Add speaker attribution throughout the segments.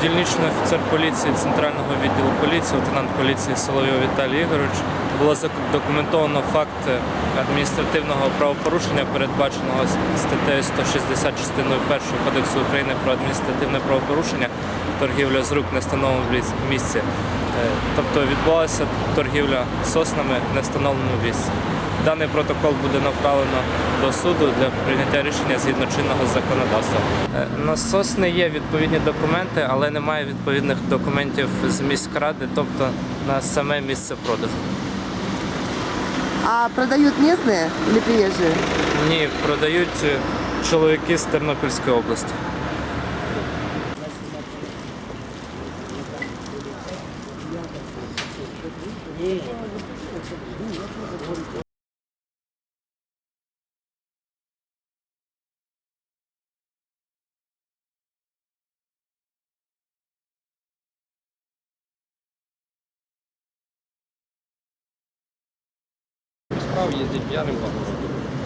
Speaker 1: дільничний офіцер поліції Центрального відділу поліції, лейтенант поліції Соловйов Віталій Ігорович, було задокументовано факт адміністративного правопорушення, передбаченого статтею 160 частиною 1 Кодексу України про адміністративне правопорушення, торгівля з рук в невстановленому місці. Тобто відбулася торгівля соснами в невстановленому місці. Даний протокол буде направлено до суду для прийняття рішення згідно чинного законодавства. На сосни є відповідні документи, але немає відповідних документів з міськради, тобто на саме місце продажу.
Speaker 2: А продают местные или приезжие?
Speaker 1: Ні, продають чоловіки з Тернопільської області.
Speaker 3: Справ ездить пьяным по городу.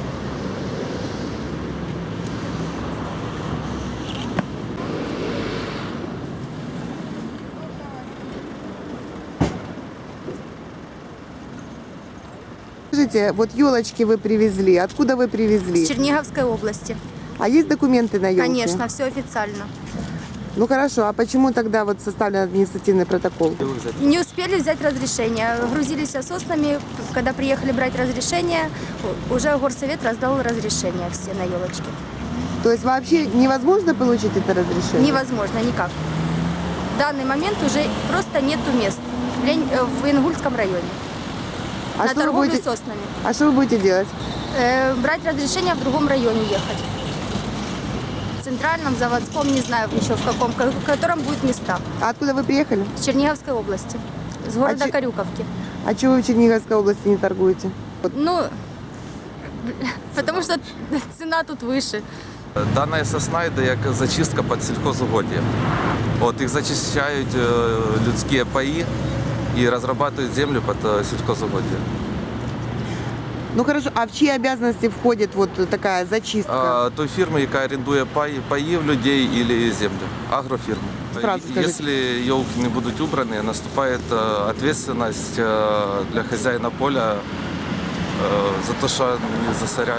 Speaker 2: Скажите, вот елочки вы привезли. Откуда вы привезли?
Speaker 4: С Черниговской области.
Speaker 2: А есть документы на елке?
Speaker 4: Конечно, все официально.
Speaker 2: Ну хорошо, а почему тогда вот составлен административный протокол?
Speaker 4: Не успели взять разрешение. Грузились соснами. Когда приехали брать разрешение, уже горсовет раздал разрешение все на елочки.
Speaker 2: То есть вообще невозможно получить это разрешение?
Speaker 4: Невозможно никак. В данный момент уже просто нету мест в Ингульском районе.
Speaker 2: А
Speaker 4: на
Speaker 2: что вы
Speaker 4: торговлю
Speaker 2: будете-
Speaker 4: соснами.
Speaker 2: А что вы будете делать?
Speaker 4: Брать разрешение в другом районе ехать. В центральном, заводском, не знаю еще в каком, в котором будут места.
Speaker 2: А откуда вы приехали?
Speaker 4: С Черниговской области. С города
Speaker 2: че-
Speaker 4: Корюковки.
Speaker 2: А чего вы в Черниговской области не торгуете?
Speaker 4: Ну, потому что цена тут выше.
Speaker 5: Дана сосна йде як зачистка під сільхозугоддя. От їх зачищають людські паї і розробляють землю під сільхозугоддя.
Speaker 2: Ну хорошо, а в чьи обязанности входит вот такая зачистка?
Speaker 5: Той фірми, яка орендує паї в людей або землю, агрофірми.
Speaker 2: Сразу скажите.
Speaker 5: Якщо елки не будуть убрані, наступає відповідальність для хазяїна поля за те, що вони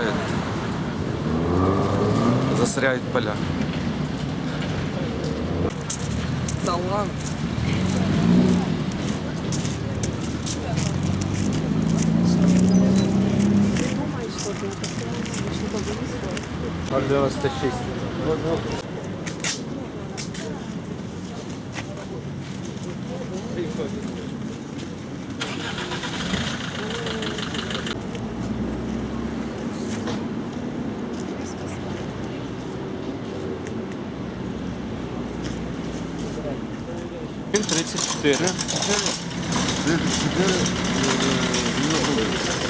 Speaker 5: засоряють поля.
Speaker 3: Да ладно.
Speaker 1: Він 34.